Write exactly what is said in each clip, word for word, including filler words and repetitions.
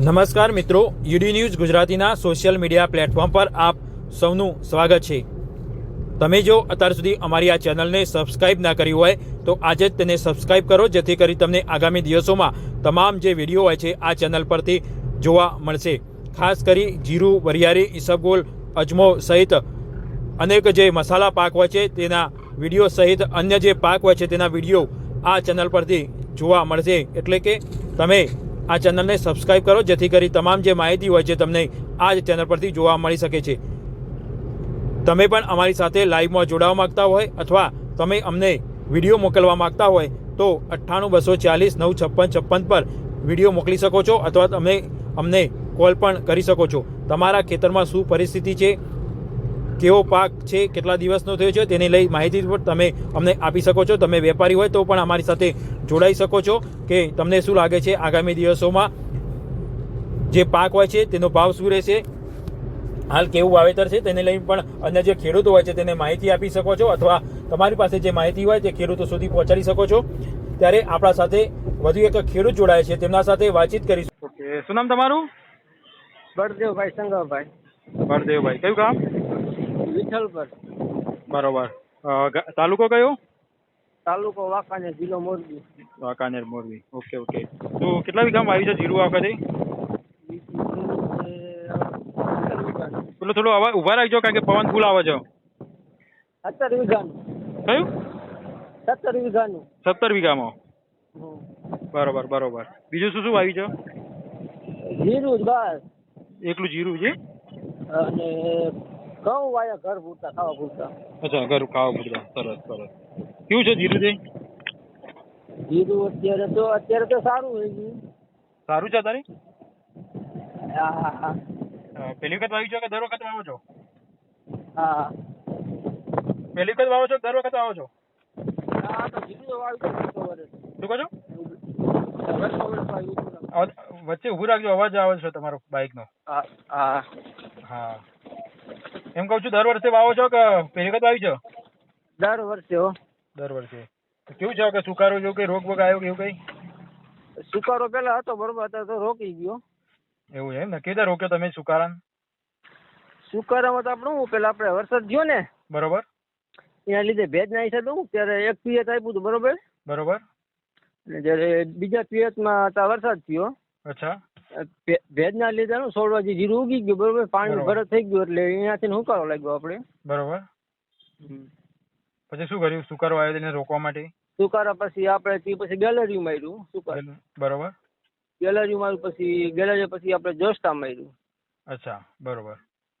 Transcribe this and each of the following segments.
નમસ્કાર મિત્રો, UD news ગુજરાતીના સોશિયલ મીડિયા પ્લેટફોર્મ પર આપ સૌનું સ્વાગત છે। તમે જો અત્યાર સુધી અમારી આ ચેનલને સબસ્ક્રાઇબ ના કરી હોય તો આજે જ તેને સબસ્ક્રાઇબ કરો, જેથી કરી તમને આગામી દિવસોમાં તમામ જે વિડીયો હોય છે આ ચેનલ પરથી જોવા મળશે। ખાસ કરી જીરું, વરિયાળી, ઈસબગોલ, અજમો સહિત અનેક જે મસાલા પાક હોય છે તેના વિડીયો સહિત અન્ય જે પાક હોય છે તેના વિડીયો આ ચેનલ પરથી જોવા મળશે। એટલે કે તમે આ ચેનલને સબસ્ક્રાઇબ કરો, જેથી કરી તમામ જે માહિતી હોય છે તમને આ જ ચેનલ પરથી જોવા મળી શકે છે। તમે પણ અમારી સાથે લાઈવમાં જોડાવા માગતા હોય અથવા તમે અમને વિડીયો મોકલવા માગતા હોય તો અઠ્ઠાણું બસો ચાલીસ નવ છપ્પન છપ્પન પર વિડીયો મોકલી શકો છો અથવા તમે અમને કોલ પણ કરી શકો છો। તમારા ખેતરમાં શું પરિસ્થિતિ છે, કેવો પાક છે, કેટલા દિવસનો થયો છે તેને લઈ માહિતી પણ તમે અમને આપી શકો છો। તમે વેપારી હોય તો પણ અમારી સાથે જોડાઈ શકો છો કે તમને શું લાગે છે આગામી દિવસોમાં જે પાક હોય છે તેનો ભાવ શું રહેશે, હાલ કેવું વાવેતર છે તેને લઈ પણ અન્ય જે ખેડૂતો હોય છે તેને માહિતી આપી શકો છો અથવા તમારી પાસે જે માહિતી હોય તે ખેડૂતો સુધી પહોંચાડી શકો છો। ત્યારે આપણા સાથે વધુ એક ખેડૂત જોડાય છે, તેમના સાથે વાતચીત કરીશું। ઓકે, શું નામ તમારું? બળદેવભાઈ સંગાભાઈ બળદેવભાઈ, કયું ગામ? વિઠ્ઠલપર, બરોબર। અ, ગા- તાલુકો કયો? તાલુકો વાંકાનેર, જિલ્લો મોરબી। વાંકાનેર, મોરબી। ઓકે ઓકે, તો કેટલા વીઘામાં વાવ્યું છે જીરું આ વખતે? પેલો થોડો અવાજ ઉભા રાખજો કારણ કે પવન ફૂલ આવે છે। સત્તર વીઘાનું કયું? સત્તર વીઘાનું સત્તર વીઘામાં। હમ. બરોબર બરોબર। બીજું શું શું વાવ્યું છે? જીરું જ બસ, એકલું જીરું છે? અને ઘઉં વાયા ઘર પૂરતા, ખાવા પૂરતા। અચ્છા, ઘર ખાવા પૂરતા। સરસ સરસ। કેવું છે જીરું તે? જીરું અત્યારે તો અત્યારે તો સારું હોય છે। સારું છે તારે? હા હા હા પહેલી વખત વાવ્યું છે કે દર વખત વાવો છો? હા પહેલી વખત વાવો છો કે દર વખત વાવો છો? હા તો જીરું તો વાવ્યું છે વર્ષો વર્ષ શું કહો છો? વર્ષો વર્ષ વાવ્યું છે। અવાજ- વચ્ચે ઊભું રાખજો, અવાજ આવે છે તમારો બાઇકનો। હા હા હા, એમ કહું છું દર વર્ષે વાવો છો કે પહેલી વખત વાવી છો? દર વર્ષે હો। દર વર્ષે। તો કેવું છે કે સુકારો જેવું કઈ રોગ બોગ આવ્યો કે એવું કઈ? સુકારો પેલા હતો બરોબર, અત્યારે તો રોકી ગયો। એવું છે એમ ને? કેદાર રોક્યો તમે સુકારાને? સુકારામાં તો આપણે શું પેલા આપણે વરસાદ થયો ને બરોબર એના લીધે ભેજ ના હિસાબે હું ત્યારે એક પિયત આપ્યું હતું બરોબર, બરોબર। અને જ્યારે બીજા પિયતમાં ત્યાં વરસાદ થયો, અચ્છા, ભે- ભેજના લીધે શું છોડવા જે જીરું ઉગી ગયું બરોબર, પાણીનું બરોબર. ભરત થઈ ગયું એટલે અહીંયાથી હુકારો લાગ્યો આપણે। બરોબર। હમ. પછી શું કર્યું સુકારો આવ્યો તેને રોકવા માટે? સુકારા પછી આપણે તે પછી ગેલેરી માર્યું, સુકાર બરોબર। ગેલેરી માર્યું, પછી ગેલેરી પછી આપણે જોસ્ટા માર્યું, અચ્છા, બરોબર।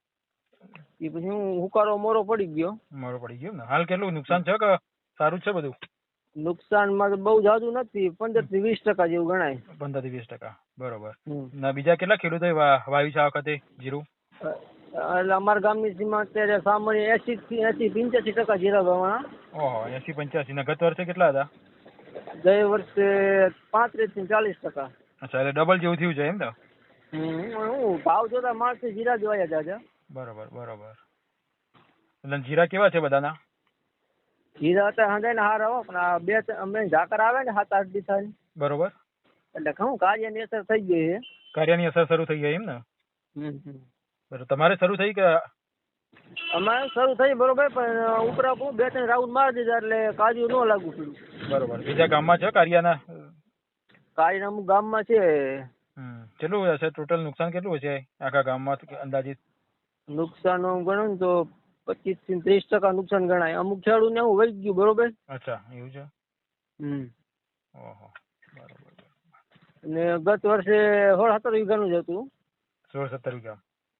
એ પછી હું હુકારો મોરો પડી ગયો। મારો પડી ગયો ને? હાલ કેટલું નુકસાન છે કે સારું જ છે બધું? નુકસાનમાં તો બહુ જાજુ નથી, પંદર થી વીસ ટકા જેવું ગણાય। પંદર થી વીસ ટકા। બરોબર। હમ. ના બીજા કેટલા ખેડૂતોએ વા- વાવ્યું છે આ વખતે જીરું? એટલે અમારા ગામની સીમા અત્યારે સામાન્ય એસી થી એસી પંચ્યાસી ટકા જીરા વાવવાના। ઓહો, એસી પંચ્યાસી ને ગત વર્ષે કેટલા હતા? ગયે વર્ષે પાંત્રીસ થી ચાલીસ ટકા। અચ્છા, એટલે ડબલ જેવું થયું છે એમ ને? હમ, હું ભાવ જોતા માણસ જીરા જોયા જાજા। બરોબર બરોબર। એટલે જીરા કેવા છે બધાના? જીરા અત્યારે હંધાઈ ને હાર આવો, પણ આ બે ત્રણ- અમે ઝાકર આવે ને સાત આઠ દિવસ બરોબર। એટલે ઘઉં કાર્યની અસર થઈ ગઈ છે। કાર્યની અસર શરૂ થઈ ગઈ એમ ને? હમ હમ. બરોબર, તમારે શરૂ થઈ કે? અમારે શરૂ થઈ બરોબર, પણ ઉપરા ઉપર બે ત્રણ રાઉન્ડ મારી દીધા એટલે કાર્ય ન લાગુ પડ્યું। બરોબર, બીજા ગામમાં છે કાર્યના? કાર્ય અમુક ગામમાં છે। હમ, કેટલું હશે ટોટલ નુકસાન? કેટલું હશે આખા ગામમાં અંદાજિત? નુકસાન ગણો ને તો પચીસ થી ત્રીસ ટકા નુકસાન ગણાય। અમુક ખેડૂત ને એવું વહી ગયું બરોબર। અચ્છા, એવું છે? હમ. ઓહો, બરોબર। અને ગત વર્ષે સોળ સત્તર વીઘાનું જ હતું। સોળ સત્તર વીઘા?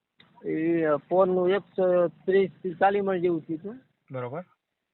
એ પોરનું એકસો ત્રીસ થી ચાલીસ મણ જેવું થયું હતું। બરોબર।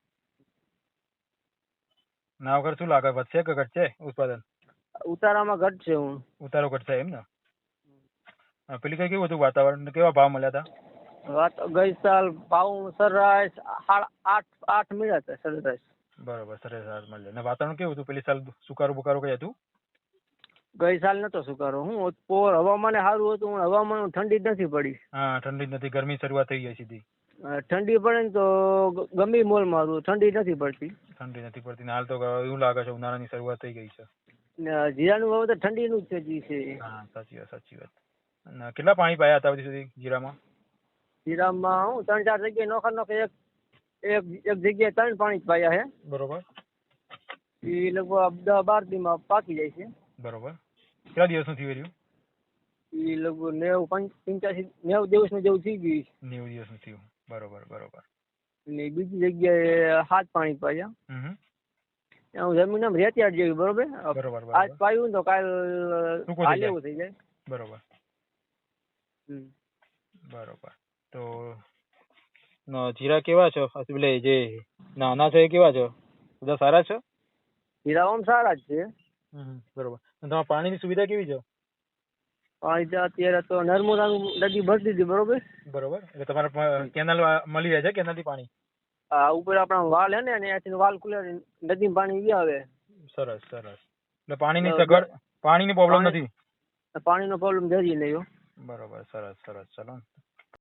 ના વગર શું લાગે, વધશે કે ઘટશે ઉત્પાદન? ઉતારામાં ઘટશે હું। ઉતારો ઘટશે એમ ને? હા, પેલી કઈ કેવું હતું વાતાવરણ, કેવા ભાવ મળ્યા હતા? વાત ગઈ સાલ ભાવ સરેરાશ સાડા આઠ આઠ મળ્યા હતા સરેરાશ। બરોબર, સરેરાશ મળે ને? વાતાવરણ કેવું હતું પેલી સાલ? સુકારો બુકારો કઈ હતું? ગઈ સાલ નતો સુકારો, હું પોર હવામાન સારું હતું, પણ હવામાન ઠંડી જ નથી પડી। હા, ઠંડી જ નથી, ગરમી શરૂઆત થઈ ગઈ સીધી। અ, ઠંડી પડે ને તો ગ- ગમે મોલ મારું, ઠંડી નથી પડતી। ઠંડી નથી પડતી ને હાલ તો એવું લાગે છે ઉનાળાની શરૂઆત થઈ ગઈ છે। ને જીરાનું વાવેતર ઠંડીનું જ છે જી છે. હા સાચી વાત સાચી વાત. અને કેટલા પાણી પાયા હતા સુધી જીરામાં? જીરામાં હું ત્રણ ચાર જગ્યાએ નોખા નોખે એક એક એક જગ્યાએ ત્રણ પાણી જ પાયા છે. બરોબર એ લગભગ દસ બાર દીમાં પાકી જાય છે. બરોબર. કેટલા દિવસનું થયું રહ્યું? એ લગભગ નેવું પંચ પંચ્યાસી નેવું દિવસનું જેવું થઈ ગયું છે. નેવું દિવસનું થયું. બરોબર બરોબર. ને બીજી જગ્યાએ હાથ પાણી પાયા. હમ હું જમીન આમ રેતિયાળ જેવી બરોબર. બરોબર આજ બરોબર પાયું ને તો કાલ ટૂંકું થઈ હાલ જાય. એવું થઈ જાય. બરોબર હમ. બરોબર. તો ન જીરા કેવા છે? એટલે જે નાના છે એ કેવા છે? બધા સારા છે? જીરા આમ સારા જ છે. બરોબર. અને તમારે પાણીની સુવિધા કેવી છે? પાણી તો અત્યારે તો નર્મદાનું નદી ભરી દીધી બરોબર. બરોબર. એટલે તમારે કેનાલ મળી રહે છે કેનાલથી પાણી? આ ઉપર આપણા વાલ હે ને ત્યાંથી વાલ ખુલે નદીમાં પાણી વી આવે. સરસ સરસ. એટલે પાણીની સગવડ પાણીની પ્રોબ્લેમ નથી? પાણીનો પ્રોબ્લેમ જરી નહીં. બરોબર સરસ સરસ. ચલો